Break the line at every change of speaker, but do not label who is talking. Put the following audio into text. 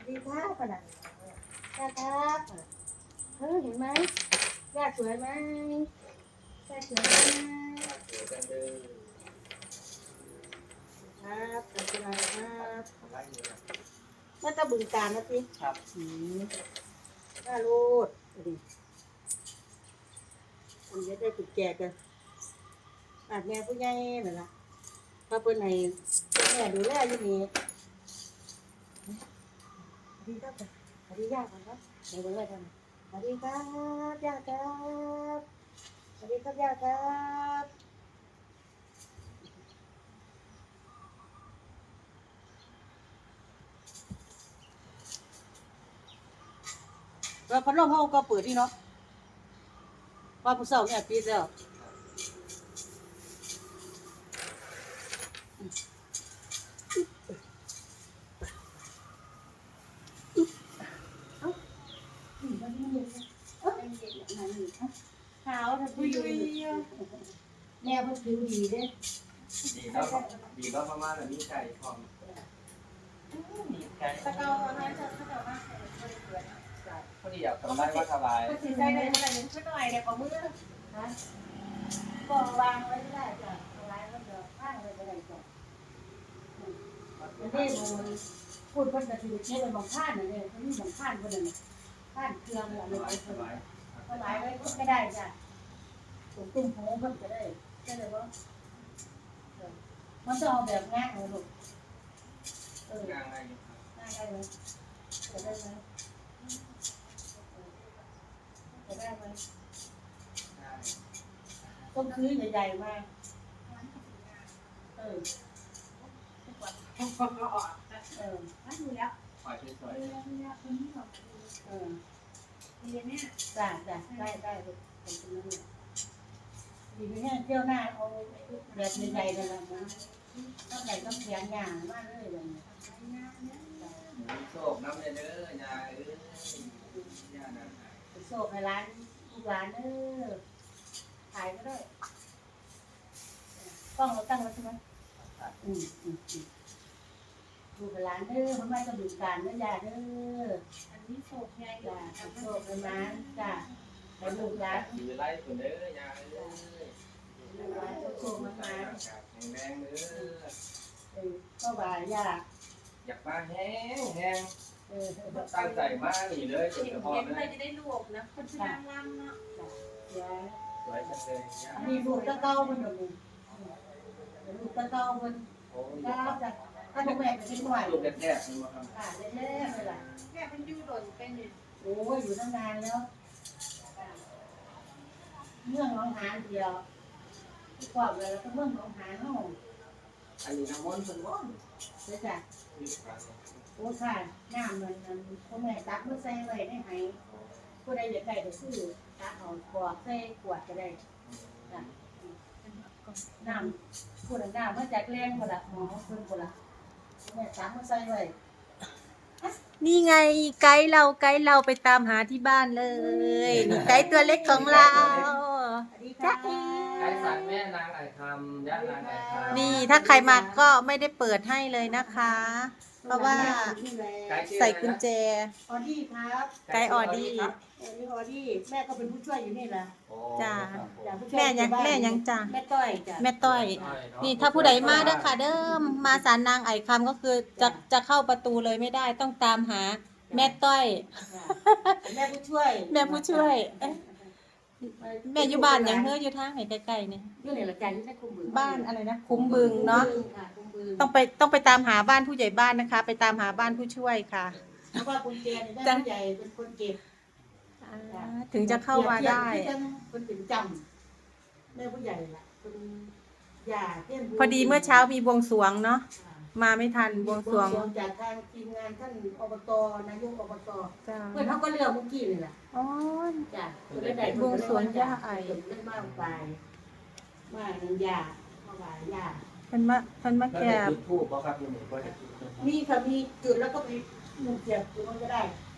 ดีครับขนาดย่าครับเห็นไหมย่าสวยไหมย่าสวยไหมครับขอบคุณครับน่าจะบึงการนะพี่ครับน่ารูดดิอันนี้ได้ติดแก่กันอาจแม่ผู้ใหญ่เหรอล่ะถ้าเปิ้นไหนแม่ดูแลอยู่นี่ดีครับสวัสดีย่าก่อนครับเดี๋ยวเลยกันสวัสดีครับย่าครับสวัสดีครับย่าครับแล้วพัดลมห้องก็เปิดที่เนาะว่าผู้สาวเนี่ยปีแล้วขาวถ้าผู้อยู่แม่ผู้ผิวดีเด้
ดีแล้วดีแล้วประมาณนี้ไก่พร้อมมีไก่
ตะเกาตอนนั้นจะเขาจะว่า
พอดีอยากทำได้ว่าสบาย
ก็สิใจเลยขนาดนี้ช่วยหน่อยเดี๋ยวขอมือนะก็วางไว้ไม่ได้จ้ะเอาไว้ก็เดี๋ยวข้างเลยก็ได้จ้ะนี่มันพูดคนกระถิ่นใช้เป็นบางข้านเลยเขามีบางข้านคนหนึ่งข้านเครื่องอะไรไปสบายสบายไว้ก็ไม่ได้จ้ะผมตุ้มโผล่เพิ่มจะได้เลยว่ามันจะเอาแบบง่ายเลยลูก
ง่าย
ง่ายได้ไหมจะได้ไหมจะได้ไหมต้องซื้อใหญ่ๆมา
มาดูแล้ว
ปล่อยสวย
จ้าได้ลูกขอบคุณนะดีไม่แห้งเที่ยวหน้าเอาแบบใหญ่ๆเลยนะต้องใหญ่ต้องแข็งหยาบมากเลยเลย
โชคน้ำเด้อยาย่านะ
โชคในร้านทุกร้านขายก็ได้ต้องเราตั้งไว้ใช่ไหมดูไปร้านมันไม่ต้องดูการยา
อันนี้โศกใหญ่
โชคในร้านจ้ะไปดูร้าน
อยู่ไล่คนเด้อยา
โชคมา
แรงเด้อ
ก็ว่ายา
อยากมาแห้งตั้งใจมากนี่เลย
เห็นเลยจะได้รวบนะคนชื่อนางรำเนาะ
สวยจังเลย
มีลูกตะเก้ามันหนึ่งลูกตะเก้ามันจ้ะถ้าลูกแม่เป็นหน่วย
ลูกแรกๆนี่มาท
ำเล่ๆเลยล่ะ
แม่เป็นยูโดนเป็นอยู่
โอ้ยอยู่ตั้งนานแล้วเมืองหนองหานเดียวกว่าเลยแล้วก็เมืองหนองหานห้อง
อันนี้น้ำมันเป็นว่อน
เดี๋ยวจ้ะโอ้ค่ะน้ำมันพ่อแม่ตักเมื่อใส่ไว้ได้ไหมผู้ใดอยากได้ก็ซื้อตักเอาขวดใส่ขวดก็ได้จ้ะน้ำผู้ใดน้ำมาจากแรงคนละหมอคนคนละแม่ตักเมื่อใส่ไว้
นี่ไงไกด์เราไปตามหาที่บ้านเลยนี่ไกด์ตัวเล็กของเรา
จ้า
ไก่สัตว์แม่นางไก่คำย่านางไก่คำ
นี่ถ้าใครมาก็ไม่ได้เปิดให้เลยนะคะ เพราะว่าใส่กุญแจ
ออดี้ครับ
ไกด์ออดี้
ออดี้แม่ก็เป็นผู้ช่วยอยู่นี่แหละ
จ้าแม่ยังจ้า
แม่ต้อยจ้า
แม่ต้อยนี่ถ้าผู้ใดมาเด้อค่ะเดิมมาศาลนางไอ่คำก็คือจะเข้าประตูเลยไม่ได้ต้องตามหาแม่ต้อย
แม่ผู้ช่วย
แม่อยู่บ้านยังอยู่ทางไหนใกล้ๆเนี่ย
อยู่ในละกันที่ได้คุ้มบึง
บ้านอะไรนะคุ้มบึงเนาะต้องไปตามหาบ้านผู้ใหญ่บ้านนะคะ ไปตามหาบ้านผู้ช่วยค่ะ
เพราะว่าคุณเจนได้ผู้ใหญ่เป็นคนเก็บ
ถึงจะเข้ามาได้
คนถึงจำแม่ผู้ใหญ่ล่ะคุณย่า
พอดีเมื่อเช้ามีบวงสรวงเนาะมาไม่ทันบวงสรวง
จากทางทีมงานท่านอบตนายกอบตเพื่อนเขาก็เลือกเมื่อกี้เลยล่ะ
อ๋อ
จ้ะ
บวงสรวงย่าไอ
เล่นมากไปมาหนึ่งย่ามาบ่ายย่า
เพิ่นมาแก่
ทูบครับ
มีค่ะมีจุดแล้วก็มีมุมเสียบจุดมันก็ได้